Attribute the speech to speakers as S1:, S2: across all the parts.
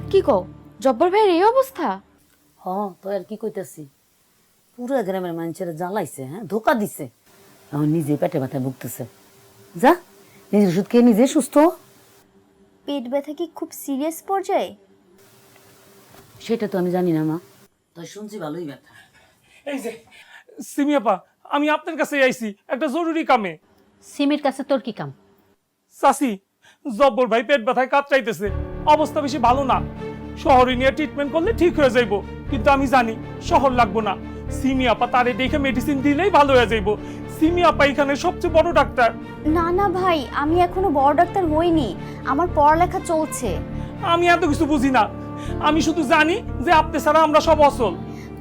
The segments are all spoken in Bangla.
S1: কি কও জব্বর ভাইয়ের এই অবস্থা?
S2: হ তো আর কি কইতাছি, পুরো গ্রামের মানুষেরা জ্বালাইছে, হ্যাঁ ধোকা দিছে। এখন নিজে পেটে ব্যথায় ভুগতেছে। যা নিজের ওষুধ খেয়ে নিজে সুস্থ হ।
S3: পেট ব্যথা কি খুব সিরিয়াস পর্যায়ে?
S2: সেটা তো আমি জানি না মা, তাই শুনছি ভালোই ব্যথা।
S4: এই যে সিমিয়াপা, আমি আপনার কাছে আইছি একটা জরুরি কামে।
S5: সিমির কাছে তোর কি কাম?
S4: চাচি, জব্বর ভাই পেট ব্যথায় কাতরাইতেছে, অবস্থা বেশি ভালো না। শহরে নিয়ে ট্রিটমেন্ট করলে ঠিক হয়ে যাইব, কিন্তু আমি জানি শহর লাগবো না। সিমিয়াপা তারে দেখে মেডিসিন দিলেই ভালো হয়ে যাইব। সিমিয়াপা এখানে সবচেয়ে বড় ডাক্তার।
S3: না না ভাই, আমি এখনো বড় ডাক্তার হইনি, আমার পড়ালেখা চলছে।
S4: আমি এত কিছু বুঝি না, আমি শুধু জানি যে আপনি ছাড়া আমরা সব অচল।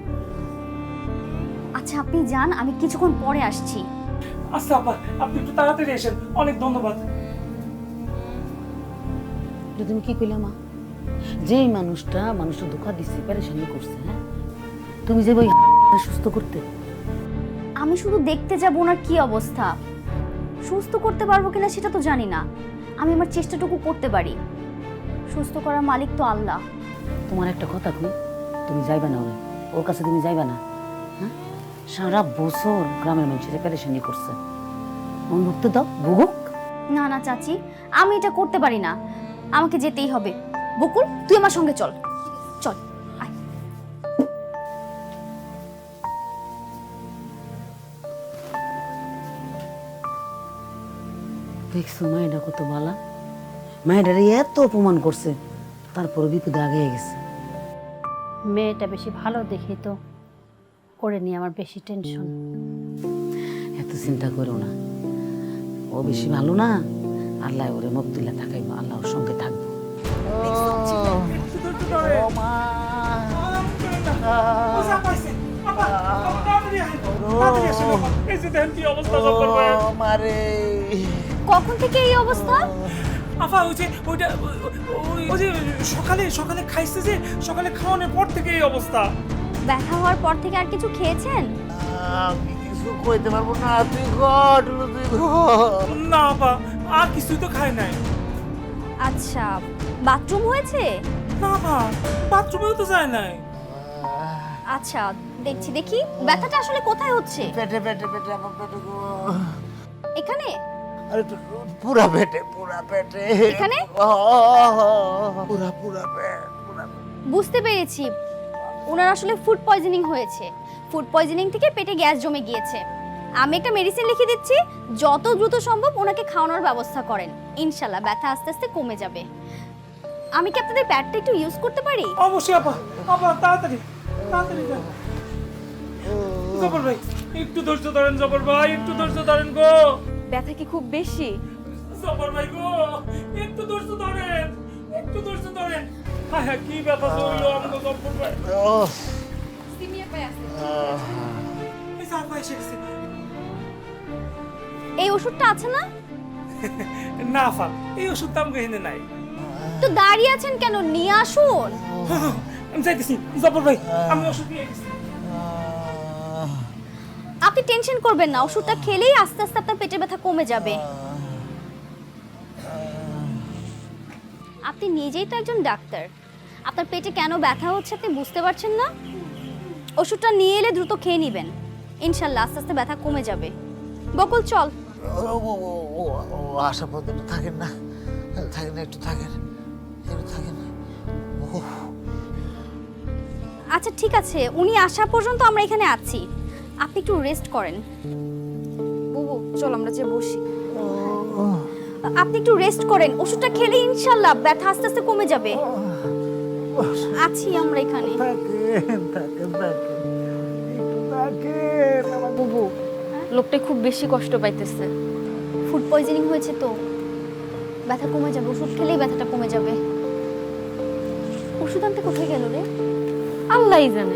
S3: আচ্ছা আপনি যান, আমি কিছুক্ষণ পরে আসছি।
S4: আচ্ছা আপা, আপনি একটু তাড়াতাড়ি এসেন, অনেক ধন্যবাদ।
S2: এটা তুমি কি কইলা মা? যেই মানুষটা ধোকা দিচ্ছে, পেরেশানি করছে, হ্যাঁ তুমি যে ওই সুস্থ করতে।
S3: আমি শুধু দেখতে যাব ওনার কি অবস্থা, সুস্থ করতে পারবো কিনা সেটা তো জানি না। আমি আমার চেষ্টাটুকু করতে পারি, সুস্থ করার মালিক তো আল্লাহ।
S2: তোমার একটা কথা কই, তুমি যাইবা না ওর কাছে, তুমি যাইবা না। হ্যাঁ সারা বছর গ্রামের মানুষেরা পেরেশানি করছে, ভুগতে দাও, ভুগুক।
S3: না না চাচি, আমি এটা করতে পারি না, আমাকে যেতেই হবে। বকুল তুই আমার সঙ্গে চল, চল আয়।
S2: দেখছো মায়েরা কত বালা, মায়েরারে এত অপমান করছে, তারপরে বিপদে আগে গেছে।
S5: মেয়েটা বেশি ভালো দেখি তো করে নিয়ে আমার বেশি টেনশন।
S2: এত চিন্তা করো না, ও বেশি ভালো না, আল্লাহ ওরে মুক্তিলা থাকাইবো, আল্লাহ ওর সঙ্গে থাকবো।
S3: কখন থেকে এই অবস্থা?
S4: আফা ওই যে ওইটা ওই যে সকালে সকালে খাইছে, যে সকালে খাওয়ানোর পর থেকে এই অবস্থা।
S3: ব্যথা হওয়ার পর থেকে আর কিছু খেয়েছেন?
S6: আমি কিছু কইতে পারবো না, তুই ঘট, তুই ঘট।
S4: না আপা, আর কিছুই তো খায় নাই।
S3: আচ্ছা বাথরুম হয়েছে?
S4: না আপা, বাথরুমেও তো যায় নাই।
S3: আচ্ছা দেখছি, দেখি ব্যথাটা আসলে কোথায় হচ্ছে।
S6: পেটে পেটে পেটে আমার পেটে গো।
S3: এখানে?
S6: আরে পুরা পেটে, পুরা পেটে।
S3: এখানে?
S6: পুরা পুরা পেট, পুরা।
S3: বুঝতে পেরেছি, ওনার আসলে ফুড পয়জনিং হয়েছে। ফুড পয়জনিং থেকে পেটে গ্যাস জমে গিয়েছে। আমি একটা মেডিসিন লিখে দিচ্ছি, যত দ্রুত সম্ভব ওনাকে খাওয়ানোর ব্যবস্থা করেন, ইনশাল্লাহ ব্যথা আস্তে আস্তে কমে যাবে। আমি কি আপনাদের প্যাডটা একটু ইউজ করতে পারি?
S4: অবশ্যই আপা, আপা তাড়াতাড়ি তাড়াতাড়ি যান। জবর ভাই একটু ধৈর্য ধরেন, জবর ভাই একটু ধৈর্য ধরেন গো।
S1: ব্যথা কি খুব বেশি?
S4: জবর ভাই গো একটু ধৈর্য ধরেন, একটু ধৈর্য ধরেন। হ্যাঁ হ্যাঁ, কি ব্যথা হইলো আমাকে জবর ভাই। এই যে আপা এসে গেছে।
S3: এই ওষুধটা আছে না?
S4: না আপা, এই ওষুধ তো আমাকে এনে নাই।
S3: তো দাঁড়িয়ে আছেন কেন, নিয়ে আসুন।
S4: আমি যাইতেছি জবর ভাই, আমি ওষুধ নিয়ে গেছি।
S3: আপনি টেনশন করবেন না, ওষুধটা খেলেই আস্তে আস্তে আপনার পেটের ব্যথা কমে যাবে। আপনি নিজেই তো একজন ডাক্তার, আপনার পেটে কেন ব্যথা হচ্ছে আপনি বুঝতে পারছেন না? ওষুধটা নিয়ে এলে দ্রুত খেয়ে নেবেন, ইনশাল্লাহ আস্তে আস্তে ব্যথা কমে যাবে। বকুল চল।
S6: আশা পর্যন্ত থাকেন না, থাকেন না, একটু থাকেন, একটু থাকেন।
S3: আচ্ছা ঠিক আছে, উনি আসা পর্যন্ত আমরা এখানে আছি, আপনি একটু রেস্ট করেন।
S1: বুবু চল আমরা যে বসি।
S3: আপনি একটু রেস্ট করেন, ওষুধটা খেলে ইনশাল্লাহ ব্যথা আস্তে আস্তে কমে যাবে। আছি আমরা এখানে।
S6: থাকেন থাকেন থাকেন, একটু থাকেন।
S1: বুবু লোকটা খুব বেশি কষ্ট পাইতেছে।
S3: ফুড পয়জনিং হয়েছে তো, ব্যথা কমে যাবে, ওষুধ খেলেই ব্যথাটা কমে যাবে। ওষুধ আনতে কোথায় গেল রে?
S1: আল্লাহই জানে।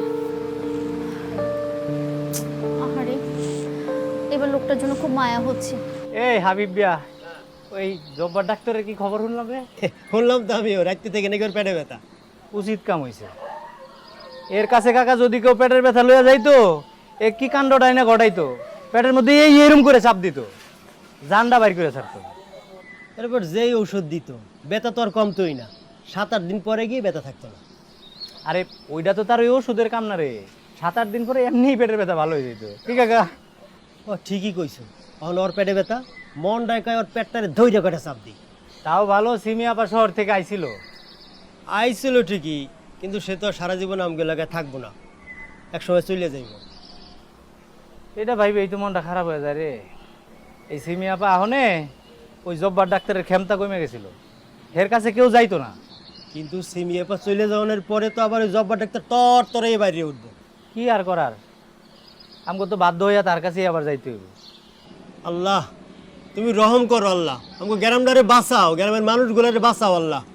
S3: আহারে, এবার লোকটার জন্য খুব মায়া হচ্ছে।
S7: এই হাবিব বিয়া, ওই জব্বার ডাক্তারের কি খবর শুনলাম রে?
S8: শুনলাম তো আমিও, রাত্রি থেকে নাকি ওর পেটে ব্যথা।
S7: উচিত কাম হইছে। এর কাছে কাকা যদি কেউ পেটের ব্যথা লইয়া যাইতো, এ কি কাণ্ডটাই না ঘটাইতো, পেটের মধ্যে এই এরম করে চাপ দিত, জানডা বাইর করে ছাড়তো।
S8: এরপর যেই ঔষধ দিত ব্যথা তো আর কমতোই না, 7-8 দিন পরে গিয়ে ব্যথা থাকতো না।
S7: আরে ওইটা তো তার ওই ওষুধের কাম না রে, 7-8 দিন পরে এমনিই পেটের ব্যথা ভালো হয়ে যেত। কি কাকা?
S8: ও ঠিকই কইছো, এখন ওর পেটে ব্যথা, মন ডাকায় ওর পেটটারে ধৈর্য করে চাপ দিই।
S7: তাও ভালো সিমি আপা শহর থেকে আইছিল।
S8: আইছিল ঠিকই, কিন্তু সে তো আর সারা জীবন আমগুলো এলাকায় থাকবো না, একসময় চলে যাইব।
S7: এটা ভাইবে এই তো মনটা খারাপ হয়ে যায় রে। এই সিমি আপা আহনে ওই জব্বার ডাক্তারের ক্ষমতা কমে গেছিল, এর কাছে কেউ যাইতো না।
S8: কিন্তু সিমিয়াপা চলে যাওয়ার পরে তো আবার ওই জব্বার ডাক্তার তর তরে বাইরে উঠবো।
S7: কি আর করার, আমাকে তো বাধ্য হইয়া তার কাছেই আবার যাইতে হইব।
S8: আল্লাহ তুমি রহম করো, আল্লাহ আমাকে গ্রামটারে বাঁচাও, গ্রামের মানুষগুলারে বাঁচাও আল্লাহ।